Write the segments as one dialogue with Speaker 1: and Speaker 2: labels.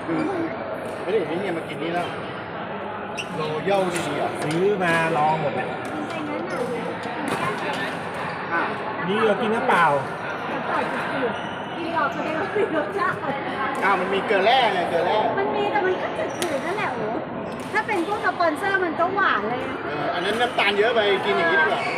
Speaker 1: คือไม่ได้เห็นไอ้เนี่ยมากินนี่แล้วโรเย่าดีอ่ะ
Speaker 2: ซื้อมาลองหมดแหละนี่เรากินน้ำเปล่า
Speaker 3: กินหลอกแสดงว่ามีรสชาติ
Speaker 1: มันมีเกลือแร่ไงเกลือแร่
Speaker 3: มันมีแต่มันก็จืดๆนั่นแหละโอ้ถ้าเป็นพวกสปอนเซอร์มันก็หวานเลย
Speaker 1: อันนั้นน้ำตาลเยอะไปกินอย่างนี้ดีกว่า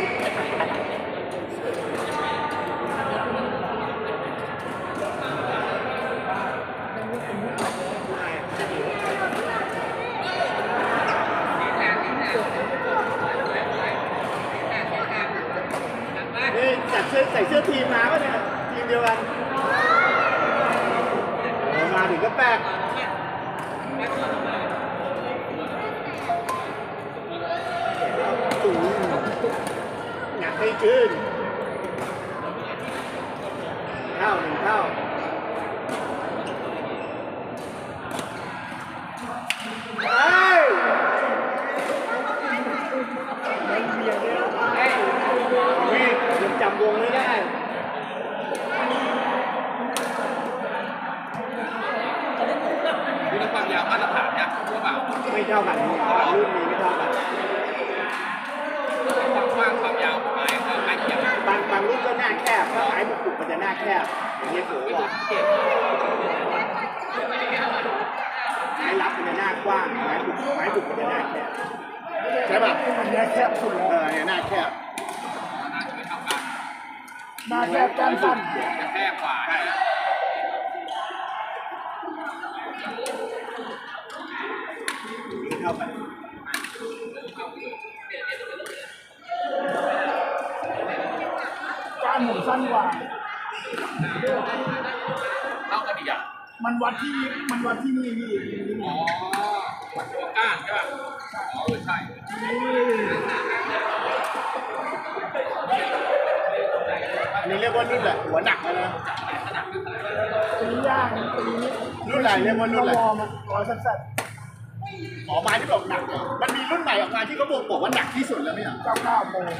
Speaker 1: นี่จัดเสื้อใส่เสื้อทีมมาป่ะเนี่ยทีมเดียวกันมาถึงก็แปลกตูหนักให้ขึ้นเท่าหนึ่งเท่ายังจำวงไม่ได้
Speaker 4: ดูความยาวมาตรฐานเนี่ยรู้เปล่า
Speaker 1: ไม่เท่ากันรุ่นนี้ไม่เท่ากัน
Speaker 4: ความกว้างความยาวของไม้คือไม้เขียว
Speaker 1: บางรุ่นก็หน้าแคบถ้าไม้บุกมันจะหน้าแคบอย่างเงี้ยโหว่ะไม้รับมันจะหน้ากว้างไม้บุกมันจะหน้าแคบใช่ป่ะหน้าแคบสุดเนี่ยหน้าแคบ
Speaker 4: ไม่เท่ากัน
Speaker 1: หน้าแคบก้านสั้น
Speaker 4: จะแคบกว่า
Speaker 1: เท่ากันก้านหมุนสั้นกว่า
Speaker 4: เท่ากันอีกอ่ะ
Speaker 1: มันวัดที่นี่พี่
Speaker 4: อ๋อวัดตัวก้านใช่ป่ะอ๋อใช่
Speaker 1: อันนี้เรียกว่ารุ่นแหละหัวหนักเลยนะตีย่างตีรุ่นไหนเรียกว่ารุ่นอะไรร้อยสั้นหมอไม้ที่บอกหนักมันมีรุ่นใหม่ออกมาที่เขาบอกว่าหนักที่สุดแล้วไหมอ่ะ99 โมง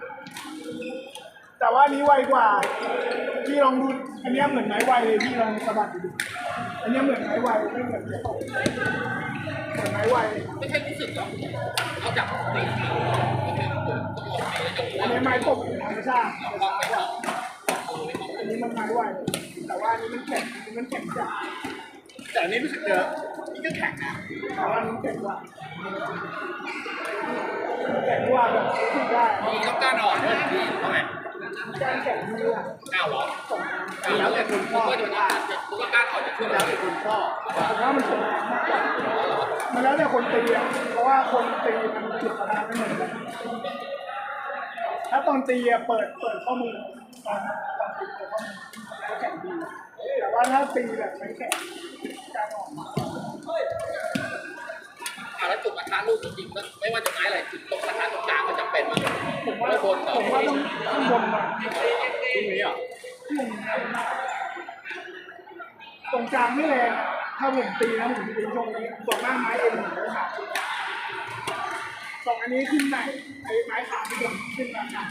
Speaker 1: แต่ว่านี้ไวกว่าพี่ลองดูอันนี้เหมือนไม้ไวเลยพี่ลองสะบัดดูอันนี้เหมือนไม้ไวไม่เหมือนไม้ตกเหมือนไม้ไว
Speaker 4: ไม่ใช่รู้สึกหรอกเอาจากตี
Speaker 1: อันนี้ไม้ตกธรรมชาติอันนี้มันไม้ไวแต่ว่าอันนี้มันแข็งจัดแต่อันนี้รู้สึกเจอนี่ก็แข็งนะแต่ว่าอันนี้แข็งกว่าแบบรู้สึกได้
Speaker 4: มีต้องก้านอ่อนด้วยดีเท่าไหร่
Speaker 1: การแข็งมือ
Speaker 4: ก้าวหรอ
Speaker 1: แล้วแต่คุณพ่อ
Speaker 4: ก็จะรู้ว่าก้านอ่อนจะช่วย
Speaker 1: แล้วแต่คุณพ่อผมว่ามันแข็งมากกว่ามันแล้วแต่คนตีอ่ะเพราะว่าคนตีมันจุดประทานไม่เหมือนกันถ้าตอนตีอ่ะเปิดข้อมือตอนตีเปิดข้อมือแล้วแข็งดีแต่ว่าถ้าตีแบบไม่แข็งการออก
Speaker 4: แล้วจุดกระทะลูกจริงๆก็ไม่ว่าจะไม้อะไรจุดตรงกระทะตรงกลางก็จำเป็นมั้งผมว่าบนต่อ
Speaker 1: ผมว่าต้องข้างบนมาตรงนี้อ่ะตรงกลางไม่แรงถ้าผมตีนะผมตีตรงนี้ส่วนมากไม้เอ็นผมจะขาดสองอันนี้ขึ้นไหนไอ้ไม้ขาดที่ผมขึ้นมาขาด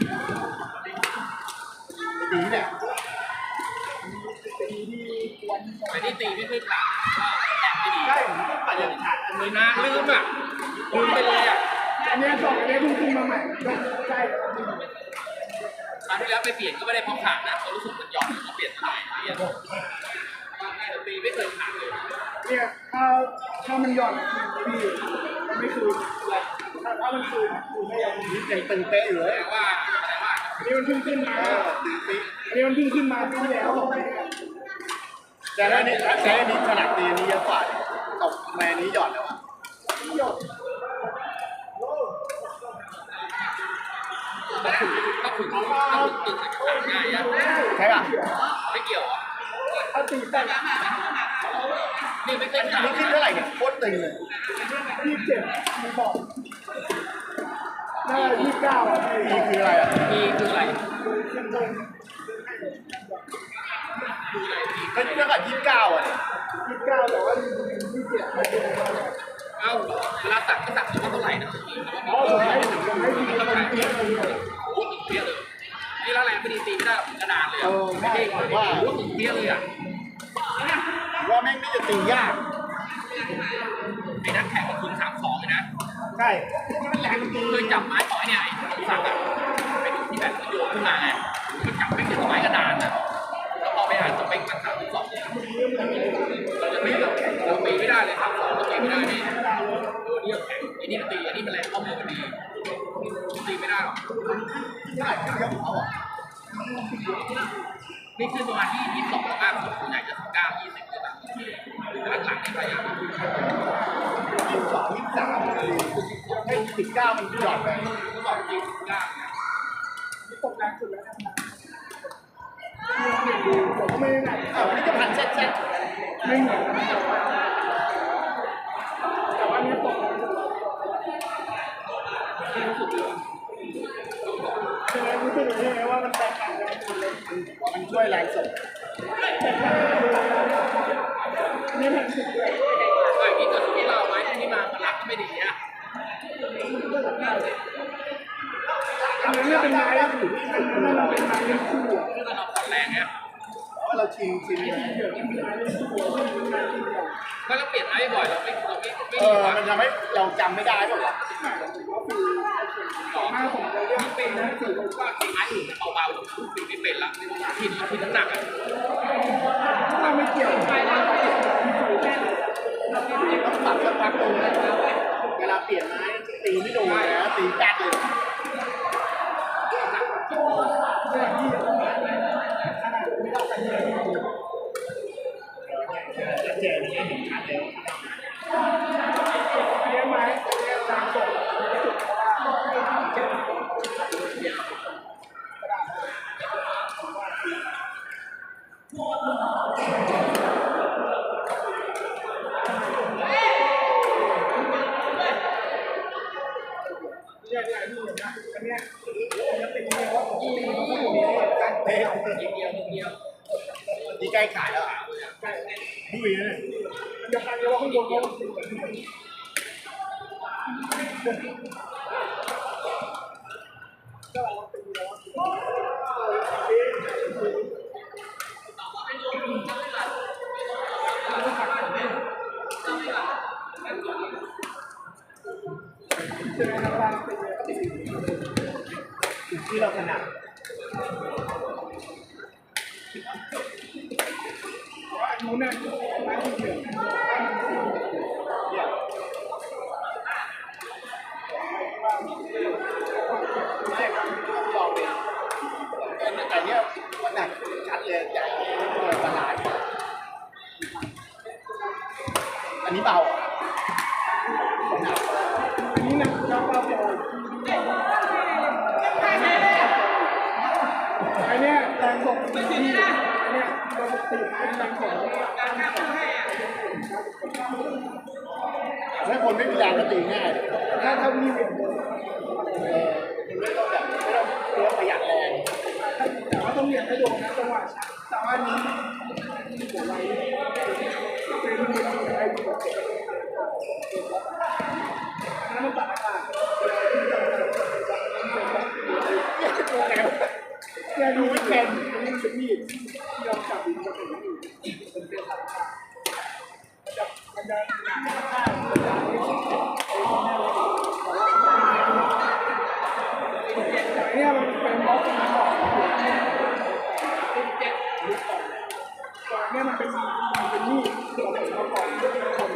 Speaker 1: ตีเนี่ยตีที่ควร
Speaker 4: ไอ้ที่ตีไม่เคยขาดก็แอบไม่ดี
Speaker 1: ใช่ผมต้องปัดอย่างขาดอัน
Speaker 4: มื
Speaker 1: นี้
Speaker 4: อนะลืมอ่ะลืมไปเลยอ่ะ
Speaker 1: อันนี้สองอันนี้เพิ่งขึ้นมาใหม่ก็ใช่
Speaker 4: คราวที่แล้วไปเปลี่ยนก็ไม่ได้เพราะขาดนะเขารู้สึกมันหย่อนเขาเปลี่ยนใหม่เปลี่ยนตีไม่เคยขาดเลย
Speaker 1: เนี่ยถ้ามันหย่อนพี่มันไม่คืนถ้ามันคืนไม่ยังตึงเป๊ะอยู่เลย
Speaker 4: แต่ว่า
Speaker 1: อันนี้มันเพิ่งขึ้นมาตึงเป๊ะอันนี้มันเพิ่งขึ้นมาที่แล้วแต่แล้วนี้ขนาดตีนี้เยอะกว่าตกแม่นี้หย่อนแล้วอ่ะหย่อน
Speaker 4: ถ้าถึงตึงขาดง่ายอ่ะ
Speaker 1: ใช่ป่ะ
Speaker 4: ไม่เกี่ยวอ่ะ
Speaker 1: ถ้าตีแต่
Speaker 4: นี่ไม่เคยขาด
Speaker 1: นี่ขึ้นเท่าไหร่เนี่ยโคตรตึงเลย27ไม่บอกน่า29อ่ะนี่คืออะไรอ่ะ
Speaker 4: มีคืออะไร
Speaker 1: ก็เท่ากับ29อ่ะ29แต่ว่า27มาดู
Speaker 4: เอ้าเวลาสั่งก็สั่งเท่าไหร่นะ
Speaker 1: อ๋อผมให้ดีคนตีคนเดียว
Speaker 4: โอ้ตึงเปี้ยเลยนี่แล้วแรงไม่ดีตีไม่ได้กระดานเลยอ่ะไม่ใช่ว่าตึงเปี้ยเลยอ่ะ
Speaker 1: ว่าแม่งน่าจะตียาก
Speaker 4: ไอ้นักแข่งมันถึง32เลยนะ
Speaker 2: ใช่มันแรงจริง
Speaker 4: เคยจับไม้ต่อยเนี่ยไอ้สักอ่ะไปดูที่แบบโยนขึ้นมาไงมันจับไม่ถึงไม้กระดานนะแล้วพอไปอ่านสเปคมัน32เราจะตีเราตีไม่ได้เลย32เราตีไม่ได้นี่นี่แข็งไอ้นี่มันตีไอ้นี่มันแรงข้อมือมันดีตีไม่ได้หรอกนี่คือประมาณที่22มากสุดส่วนใหญ่จะ19 20เลยแบบหลังๆนี่พยายาม
Speaker 2: ให้19มันหยอดไป
Speaker 4: ก็บอกจริงยาก
Speaker 1: ตกแรงสุดแล้วนะผมก็ไม่ได้ไหน
Speaker 2: วันนี้จะผ่านเซ็ต
Speaker 1: ไม่เหมือนแต่ว่านี่ตกแรงสุดใช่ไหมรู้สึกใช่ไหมว่ามันแตกต่างกันหมดเลย
Speaker 2: มันช่วยแรงส่ง
Speaker 1: นี่แรงสุดเลย
Speaker 4: ไอ้ที่เกิดที่เราไว้ที่มามันรักก็ไม่ดีอ่ะ
Speaker 1: อันนั้นเนี่ยเป็นไม้อันนั้นมันเป็นไม้เลี้ยงคู่อ่ะ
Speaker 4: คือเราผ่อนแรงเนี่ย
Speaker 2: เราชิง
Speaker 4: ก็เราเปลี่ยนไม้บ่อยเราไม่ดีกว่า
Speaker 2: มันทำให้เราจำไม่ได้หรอก
Speaker 1: ต่อหน้าผมเลยเรื่อง
Speaker 4: ไม่เป็นนะคือว่าไม้อื่นเบาๆปีไม่เป็นละทีน้ำหนักอ่ะ
Speaker 1: ถ้าไม่เกี่ยวไปแล้ว
Speaker 2: ต้องปรับสักพักตรงนะเวลาเปลี่ยนไม้ตีไม่โดนนะตีแป๊กเลย
Speaker 1: เรื่องที่ขนาดไม่ต้องกันเลย
Speaker 2: เจนนี่เห็นชัดแล้ว
Speaker 1: เลี้ยงไม้เลี้ยงตามกฎสุดเพราะว่าเจ็บเนี่ยนี่นะอันเนี้ยจะเป็นยังไงว่าผมตีมันก็อยู่ในการเตะ
Speaker 4: เดียว
Speaker 2: ดีใกล้ขายแล้วดุยเลย
Speaker 1: เดี๋ยวใครจะว่าข้างบนเขาตีแบบนี้ก็เราตีแล้วจะได้ทำการตี
Speaker 2: ที่เราถนัด
Speaker 1: อันนู้นเนี่ยไม้ที่เหลือ
Speaker 2: ไม่ครับลองดิแต่เนี้ยมันหนักชัดเลยใหญ่ตลาดอันนี้เบาหนัก
Speaker 1: อันนี้นะเราเบาๆอันเนี้ยแรงส่งที่อันเนี้ยเราตีเป็นแรงส่ง
Speaker 2: ถ้าคนไม่มีแรงก็ตีง่าย
Speaker 1: ถ้ามีเวท
Speaker 2: คุณไม่ต้องแบบไม่ต้องเพื่อประหยัดแรง
Speaker 1: แต่ว่าต้องเรียนให้โดนนะจังหวะช้าแต่ว่านี้ผมไว้เป็นอะไรที่แบบนั้นมันตัดอากาศแกดูไม่เป็นนี่เป็นมีดที่เราจับมันจะเป็นมีดมันจะหนักมากเนี่ยมันเป็นบล็อกมาก่อนเนี่ยมันเป็นมีดเราเป็นมาก่อนคน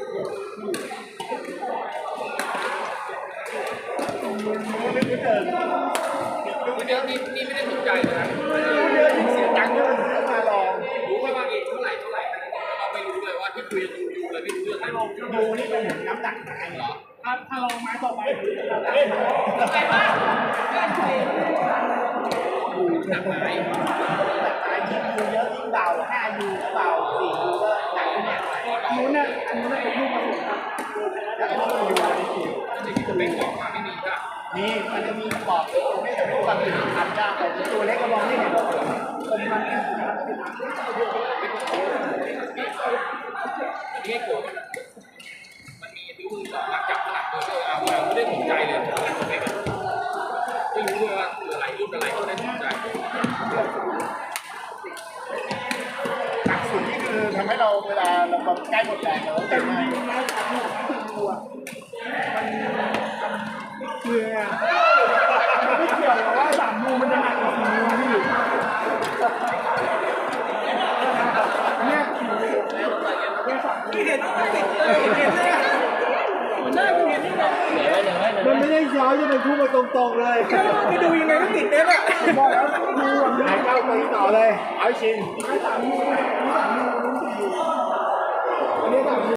Speaker 1: นี่เดิน
Speaker 4: เดี๋ยวนี่ไม่ได้สนใจเลยนะ
Speaker 2: เสียตังค์เยอะมาลอง
Speaker 4: รู้ว่าบางทีเท่าไหร่เราไม่รู้เลยว่าที่คุยดูเลยไม่รู้เรื่องเลย
Speaker 2: ดูนี่เป็นเหมือนน้ำหนักตายเหรอ
Speaker 1: ถ้าลองไม้ต่อไป
Speaker 4: อะไรบ้างหนักไหม
Speaker 2: ตายยิ่งดูเยอะยิ่งเบา5 ยูก็เบา4 ยูก็หนักขึ้นเนี่ย
Speaker 1: อันนู้นเนี่ยเป็นรูปผสมครับ
Speaker 2: แล้วก็ต้องยูอะไรอีก
Speaker 4: จะไม่บอกมาไม่มีจ้ะ
Speaker 2: นี่มันจะมีบอกไม่แต่ไม่รู้ความผิดทำยากแต่ตัวเล็กก็มองไม่เห็น
Speaker 1: ผมมัน
Speaker 4: นี่โกรธมันมีนิ้วมือสองหลักจับขนาดตัวเอาไม่ได้สนใจเลยไม่รู้เลยว่าคืออะไรรุ่นอะไรก็ไม่ได้สนใจ
Speaker 2: หนักสุดนี่คือทำให้เราเวลาเราแบบใกล้หมดแรงแล้ว
Speaker 1: แต่จริงๆนะสามหมู่สี่หมู่อ่ะมันเหนื่อยอ่ะมันไม่เกี่ยวกับว่าสามหมู่มันจะหนักกว่าสี่หมู่พี่เนี่ยสี่หมู่เนี่ยสามหมู่เห็นเลยอ่ะมันน่าจะเห็นนี่แหละ
Speaker 2: มันไม่ได้ย้อยจะเป็นพุ่งมาตรงๆเลย
Speaker 1: ไปดูยังไงก็ติดเนี่ยแหละบอกแล้วดูอ่ะ
Speaker 2: หายเข้าไปต่อเลยเอาชิน
Speaker 1: สามหมู่สามหมู่สี่หมู่อันนี้สามหมู่